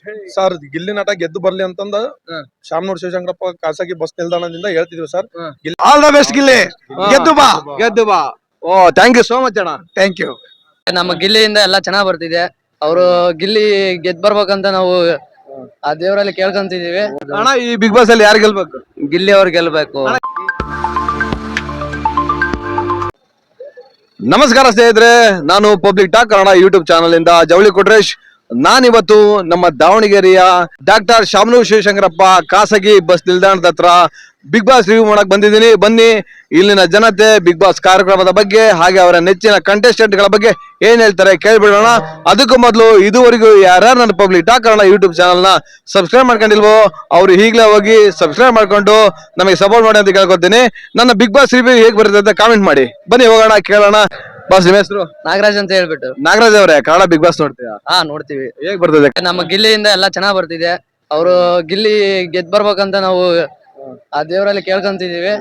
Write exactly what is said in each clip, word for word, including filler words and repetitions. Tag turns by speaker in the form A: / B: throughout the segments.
A: Sir Gilli ನಟ ಗೆದ್ದು ಬರ್ಲಿ ಅಂತಂದ ಶಾಮನೂರ್ ಶಿವಶಂಕರಪ್ಪ ಖಾಸಗಿ ಬಸ್ ನಿಲ್ದಾಣದಿಂದ ಹೇಳ್ತಿದ್ವಿ sir.
B: All the best Gilli, ಗೆದ್ದು ಬಾ
C: ಗೆದ್ದು ಬಾ. Oh thank you so much ಅಣ್ಣ.
B: Thank you.
D: ನಮ್ಮ ಗಿಲ್ಲಿಯಿಂದ ಎಲ್ಲ ಚೆನ್ನಾಗ್ ಬರ್ತಿದೆ. ಅವರು ಗಿಲ್ಲಿ ಗೆದ್ ಬರ್ಬೇಕಂತ ನಾವು ಆ ದೇವರಲ್ಲಿ ಕೇಳ್ಕೊಂತಿದೀವಿ.
C: ಅಣ್ಣ ಈ ಬಿಗ್ ಬಾಸ್ ಅಲ್ಲಿ ಯಾರು ಗೆಲ್ಬೇಕು?
D: ಗಿಲ್ಲಿ ಅವ್ರು ಗೆಲ್ಬೇಕು.
C: ನಮಸ್ಕಾರ ಸ್ನೇಹಿತರೆ, ನಾನು public talk Kannada YouTube channel ಇಂದ ಜವಳಿ ಕೊಟ್ರೇಶ್. ನಾನಿವತ್ತು ನಮ್ಮ ದಾವಣಗೆರೆಯ ಡಾಕ್ಟರ್ ಶಾಮನೂರ್ ಶಿವಶಂಕರಪ್ಪ ಖಾಸಗಿ ಬಸ್ ನಿಲ್ದಾಣದ ಹತ್ರ ಬಿಗ್ ಬಾಸ್ ರಿವ್ಯೂ ಮಾಡಕ್ ಬಂದಿದ್ದೀನಿ. ಬನ್ನಿ, ಇಲ್ಲಿನ ಜನತೆ ಬಿಗ್ ಬಾಸ್ ಕಾರ್ಯಕ್ರಮದ ಬಗ್ಗೆ ಹಾಗೆ ಅವರ ನೆಚ್ಚಿನ ಕಂಟೆಸ್ಟೆಂಟ್ ಗಳ ಬಗ್ಗೆ ಏನ್ ಹೇಳ್ತಾರೆ ಕೇಳ್ಬಿಡೋಣ. ಅದಕ್ಕೂ ಮೊದಲು ಇದುವರೆಗೂ ಯಾರ್ಯಾರು ನನ್ನ public talk Kannada YouTube channel ನ ಸಬ್ಸ್ಕ್ರೈಬ್ ಮಾಡ್ಕೊಂಡಿಲ್ವೋ ಅವ್ರು ಈಗಲೇ ಹೋಗಿ ಸಬ್ಸ್ಕ್ರೈಬ್ ಮಾಡ್ಕೊಂಡು ನಮಗೆ ಸಪೋರ್ಟ್ ಮಾಡಿ ಅಂತ ಕೇಳ್ಕೊತೀನಿ. ನನ್ನ ಬಿಗ್ ಬಾಸ್ ರಿವ್ಯೂ ಹೇಗ್ ಬರುತ್ತೆ ಅಂತ ಕಾಮೆಂಟ್ ಮಾಡಿ. ಬನ್ನಿ ಹೋಗೋಣ, ಕೇಳೋಣ. ಬಾಸ್ ನಿಮ್ಮ ಹೆಸರು?
D: ನಾಗರಾಜ್ ಅಂತ ಹೇಳ್ಬಿಟ್ಟು.
C: ನಾಗರಾಜ್ ಅವರೇ, ಕನ್ನಡ ಬಿಗ್ ಬಾಸ್ ನೋಡ್ತೀರಾ?
D: ಹಾ ನೋಡ್ತೀವಿ.
C: ಹೇಗ್ ಬರ್ತದೆ?
D: ನಮ್ಮ ಗಿಲ್ಲಿಯಿಂದ ಎಲ್ಲ ಚೆನ್ನಾಗ್ ಬರ್ತಿದೆ. ಅವರು ಗಿಲ್ಲಿ ಗೆದ್ ಬರ್ಬೇಕಂತ ನಾವು ಆ ದೇವರಲ್ಲಿ ಕೇಳ್ಕೊಂತಿದೀವಿ.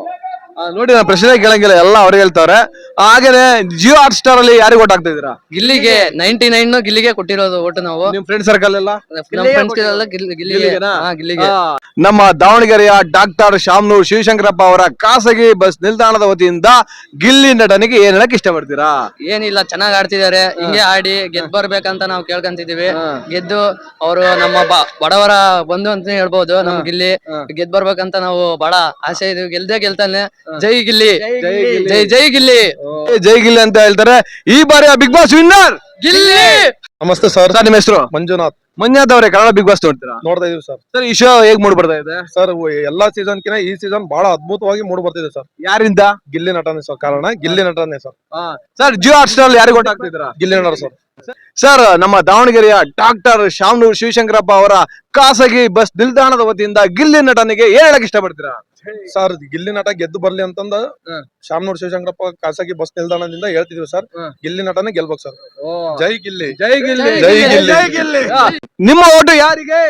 C: ನೋಡಿ, ನಾನು ಪ್ರಶ್ನೆ ಕೇಳಂಗಿಲ್ಲ, ಎಲ್ಲ ಅವ್ರಿಗೆ ಹೇಳ್ತಾವ್ರೆ. ಹಾಗೇನೆ ಜಿಯೋ ಹಾಟ್ ಸ್ಟಾರ್ ಅಲ್ಲಿ ಯಾರಿಗೆ ಓಟ್ ಹಾಕ್ತಾ ಇದೀರಾ?
D: ಗಿಲ್ಲಿಗೆ ನೈನ್ಟಿ ನೈನ್ ಗಿಲ್ಲಿಗೆ ಕೊಟ್ಟಿರೋದು ಓಟು ನಾವು.
C: ನಿಮ್ ಫ್ರೆಂಡ್ ಸರ್ಕಲ್ ಎಲ್ಲ
D: ನಮ್ಮ ಫ್ರೆಂಡ್ಸ್ ಎಲ್ಲ ಗಿಲ್ಲಿಗೆ. ಹಾ ಗಿಲ್ಲಿಗೆ.
C: ನಮ್ಮ ದಾವಣಗೆರೆಯ ಡಾಕ್ಟರ್ ಶಾಮನೂರ್ ಶಿವಶಂಕರಪ್ಪ ಅವರ ಖಾಸಗಿ ಬಸ್ ನಿಲ್ದಾಣದ ವತಿಯಿಂದ ಗಿಲ್ಲಿ ನಟನಿಗೆ ಏನ್ ಹೇಳಕ್ ಇಷ್ಟಪಡ್ತೀರಾ?
D: ಏನಿಲ್ಲ, ಚೆನ್ನಾಗ್ ಆಡ್ತಿದ್ದಾರೆ. ಹಿಂಗೆ ಆಡಿ ಗೆದ್ ಬರ್ಬೇಕಂತ ನಾವು ಕೇಳ್ಕೊಂತಿದೀವಿ. ಗೆದ್ದು ಅವರು ನಮ್ಮ ಬಡವರ ಬಂಧು ಅಂತ ಹೇಳ್ಬೋದು. ನಮ್ ಗಿಲ್ಲಿ ಗೆದ್ ಬರ್ಬೇಕಂತ ನಾವು ಬಹಳ ಆಸೆ ಇದೀವಿ. ಗೆಲ್ದೇ ಗೆಲ್ತಾನೆ. ಜೈ ಗಿಲ್ಲಿ, ಜೈ ಜೈ ಗಿಲ್ಲಿ,
C: ಜೈ ಗಿಲ್ಲಿ ಅಂತ ಹೇಳ್ತಾರೆ. ಈ ಬಾರಿಯ ಬಿಗ್ ಬಾಸ್ ವಿನ್ನರ್
D: ಗಿಲ್ಲಿ.
A: ನಮಸ್ತೆ ಸರ್.
C: ನಿಮ್ಮ ಹೆಸರು?
A: ಮಂಜುನಾಥ್.
C: ಮಂಜುನಾಥ್ ಅವರೇ, ಕನ್ನಡ ಬಿಗ್ ಬಾಸ್ ನೋಡ್ತೀರಾ?
A: ನೋಡ್ತಾ ಇದೀವಿ ಸರ್.
C: ಸರ್ ಈ ಶೋ ಹೇಗ್ ಮೂಡ್ ಬರ್ತಾ ಇದೆ
A: ಸರ್? ಎಲ್ಲಾ ಸೀಸನ್ ಕಿನ ಈ ಸೀಸನ್ ಬಹಳ ಅದ್ಭುತವಾಗಿ ಮೂಡ್ ಬರ್ತಿದೆ ಸರ್.
C: ಯಾರಿಂದ?
A: ಗಿಲ್ಲಿ ನಟನೆ ಸರ್. ಕಾರಣ ಗಿಲ್ಲಿ ನಟನೆ sir.
C: Sir Jio Hotstar ಯಾರಿಗೆ ಓಟ್ ಹಾಕ್ತಿದ್ದೀರಾ?
A: ಗಿಲ್ಲಿ ನಟ ಸರ್.
C: ಸರ್, ನಮ್ಮ ದಾವಣಗೆರೆಯ ಡಾಕ್ಟರ್ ಶಾಮನೂರ್ ಶಿವಶಂಕರಪ್ಪ ಅವರ ಖಾಸಗಿ ಬಸ್ ನಿಲ್ದಾಣದ ವತಿಯಿಂದ ಗಿಲ್ಲಿ ನಟನಿಗೆ ಏನ್ ಹೇಳಕ್ ಇಷ್ಟಪಡ್ತೀರಾ?
A: ಸರ್ ಗಿಲ್ಲಿ ನಟ ಗೆದ್ದು ಬರ್ಲಿ ಅಂತಂದ ಶಾಮನೂರ್ ಶಿವಶಂಕರಪ್ಪ ಖಾಸಗಿ ಬಸ್ ನಿಲ್ದಾಣದಿಂದ ಹೇಳ್ತಿದ್ವಿ ಸರ್. ಗಿಲ್ಲಿ ನಟನೆ ಗೆಲ್ಬೇಕು ಸರ್. ಜೈ ಗಿಲ್ಲಿ,
C: ಜೈ ಗಿಲ್ಲಿ,
A: ಜೈ ಗಿಲ್ಲಿ.
C: ನಿಮ್ಮ ಓಟು ಯಾರಿಗೆ?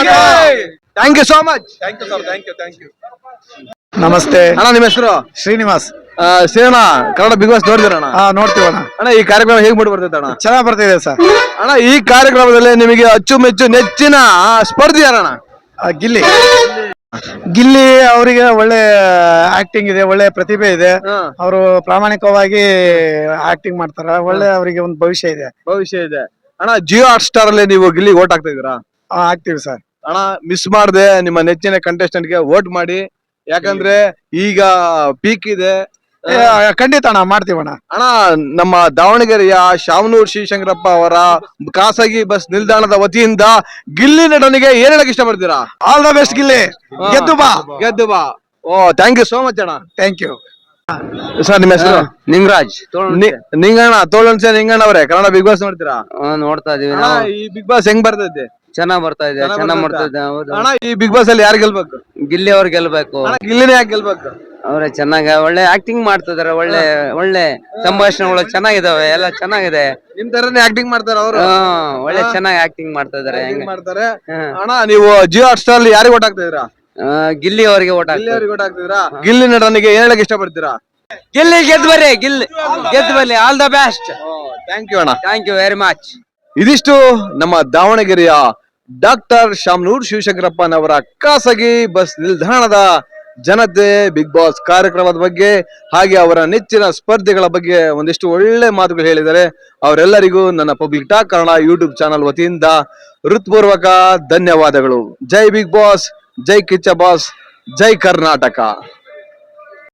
C: Thank you so much.
A: Thank you sir. Thank you thank you.
B: ನಮಸ್ತೆ
C: ಅಣ್ಣ, ನಿಮ್ಮ ಹೆಸರು?
B: ಶ್ರೀನಿವಾಸ್.
C: ಸೇಣ, Kannada big boss ನೋಡಿದಿರಣ್ಣ?
B: ಹಾ ನೋಡ್ತೀವಣ್ಣ.
C: ಅಣ್ಣ ಈ ಕಾರ್ಯಕ್ರಮ ಹೇಗ್ ಮೂಡಿ ಬರ್ತೈತೆ ಅಣ್ಣ?
B: ಚೆನ್ನಾಗ್ ಬರ್ತಿದೆ ಸರ್.
C: ಅಣ್ಣ ಈ ಕಾರ್ಯಕ್ರಮದಲ್ಲಿ ನಿಮಗೆ ಅಚ್ಚುಮೆಚ್ಚು ನೆಚ್ಚಿನ ಸ್ಪರ್ಧಿ ಯಾರಣ್ಣ?
B: ಗಿಲ್ಲಿ. ಗಿಲ್ಲಿ ಅವರಿಗೆ ಒಳ್ಳೆ ಆಕ್ಟಿಂಗ್ ಇದೆ, ಒಳ್ಳೆ ಪ್ರತಿಭೆ ಇದೆ. ಅವರು ಪ್ರಾಮಾಣಿಕವಾಗಿ ಆಕ್ಟಿಂಗ್ ಮಾಡ್ತಾರ. ಒಳ್ಳೆ ಅವರಿಗೆ ಒಂದು ಭವಿಷ್ಯ ಇದೆ.
C: ಭವಿಷ್ಯ ಇದೆ. ಅಣ್ಣ ಜಿಯೋ ಹಾಟ್ ಸ್ಟಾರ್ ಅಲ್ಲಿ ನೀವು ಗಿಲ್ಲಿ ಓಟ್ ಹಾಕ್ತಾ ಇದೀರಾ?
B: ಆಗ್ತೀವಿ ಸರ್.
C: ಅಣ್ಣ ಮಿಸ್ ಮಾಡದೆ ನಿಮ್ಮ ನೆಚ್ಚಿನ ಕಂಟೆಸ್ಟೆಂಟ್ ಗೆ ವೋಟ್ ಮಾಡಿ. ಯಾಕಂದ್ರೆ ಈಗ ಪೀಕ್ ಇದೆ.
B: ಖಂಡಿತ ಅಣ್ಣ, ಮಾಡ್ತೀವಣ್ಣ.
C: ಅಣ್ಣ ನಮ್ಮ ದಾವಣಗೆರೆಯ ಶಾಮನೂರ್ ಶಿವಶಂಕರಪ್ಪ ಅವರ ಖಾಸಗಿ ಬಸ್ ನಿಲ್ದಾಣದ ವತಿಯಿಂದ ಗಿಲ್ಲಿ ನಟನಿಗೆ ಏನ್ ಹೇಳಕ್ ಇಷ್ಟಪಡ್ತೀರಾ?
B: ಆಲ್ ದ ಬೆಸ್ಟ್ ಗಿಲ್ಲಿ, ಗೆದ್ದು ಬಾ.
C: ಗೆದ್ದು ಬಾ. Oh thank you so much ಅಣ್ಣ.
B: Thank you.
C: ಸರ್ ನಿಮ್ಮ ಹೆಸರು?
D: ನಿಂಗರಾಜ್.
C: ನಿಂಗಣ್ಣ, ತೋಳನ್ಸೆ ನಿಂಗಣ್ಣ ಅವರೇ, ಕನ್ನಡ ಬಿಗ್ ಬಾಸ್ ನೋಡ್ತೀರಾ?
D: ನೋಡ್ತಾ ಇದೀವಿ.
C: ಈ ಬಿಗ್ ಬಾಸ್ ಹೆಂಗ್ ಬರ್ತೈತೆ?
D: ಚೆನ್ನಾಗ್ ಬರ್ತಾ ಇದೆ, ಚೆನ್ನಾಗ್ ಮಾಡ್ತಾ ಇದೆ.
C: ಅಣ್ಣ ಈ ಬಿಗ್ ಬಾಸ್ ಅಲ್ಲಿ ಯಾರು ಗೆಲ್ಬೇಕು?
D: ಗಿಲ್ಲಿ ಅವ್ರು ಗೆಲ್ಬೇಕು.
C: ಗಿಲ್ಲಿನೇ ಯಾಕೆ ಗೆಲ್ಬೇಕು?
D: ಅವ್ರೆ ಚೆನ್ನಾಗ ಒಳ್ಳೆ ಆಕ್ಟಿಂಗ್ ಮಾಡ್ತಿದಾರೆ. ಒಳ್ಳೆ ಒಳ್ಳೆ ಸಂಭಾಷಣೆಗಳು ಚೆನ್ನಾಗಿದಾವೆ, ಎಲ್ಲ ಚೆನ್ನಾಗಿದೆ.
C: ನಿಮ್ ತರನೇ ಆಕ್ಟಿಂಗ್ ಮಾಡ್ತಾರ ಅವರು?
D: ಒಳ್ಳೆ ಚೆನ್ನಾಗಿ ಆಕ್ಟಿಂಗ್ ಮಾಡ್ತಾ ಇದಾರೆ.
C: ಮಾಡ್ತಾರೆ. ಅಣ್ಣ ನೀವು ಜಿಯೋ ಹಾಟ್ ಸ್ಟಾರ್ ಅಲ್ಲಿ ಯಾರಿಗೆ ಓಟ್ ಹಾಕ್ತಾ ಇದೀರಾ?
D: ಗಿಲ್ಲಿ ಅವರಿಗೆ ಓಟ್ ಹಾಕ್ತೀವಿ.
C: ಓಟ್ ಹಾಕ್ತಿದ್ರಾ? ಗಿಲ್ಲಿ ನಟನಿಗೆ ಏನ್ ಹೇಳಕ್ ಇಷ್ಟಪಡ್ತೀರಾ?
D: ಗಿಲ್ಲಿ ಗೆದ್ದು ಬರ್ರಿ, ಗಿಲ್ಲಿ ಗೆದ್ದು ಬರ್ಲಿ. All the best.
C: Thank you ಅಣ್ಣ.
D: Thank you very much.
C: ಇದಿಷ್ಟು ನಮ್ಮ ದಾವಣಗೆರೆಯ ಡಾಕ್ಟರ್ ಶಾಮನೂರ್ ಶಿವಶಂಕರಪ್ಪನವರ ಖಾಸಗಿ ಬಸ್ ನಿಲ್ದಾಣದ ಜನತೆ ಬಿಗ್ ಬಾಸ್ ಕಾರ್ಯಕ್ರಮದ ಬಗ್ಗೆ ಹಾಗೆ ಅವರ ನೆಚ್ಚಿನ ಸ್ಪರ್ಧೆಗಳ ಬಗ್ಗೆ ಒಂದಿಷ್ಟು ಒಳ್ಳೆ ಮಾತುಗಳು ಹೇಳಿದ್ದಾರೆ. ಅವರೆಲ್ಲರಿಗೂ ನನ್ನ public talk Kannada YouTube channel ವತಿಯಿಂದ ಹೃತ್ಪೂರ್ವಕ ಧನ್ಯವಾದಗಳು. ಜೈ ಬಿಗ್ ಬಾಸ್, ಜೈ ಕಿಚ್ಚ ಬಾಸ್, ಜೈ ಕರ್ನಾಟಕ.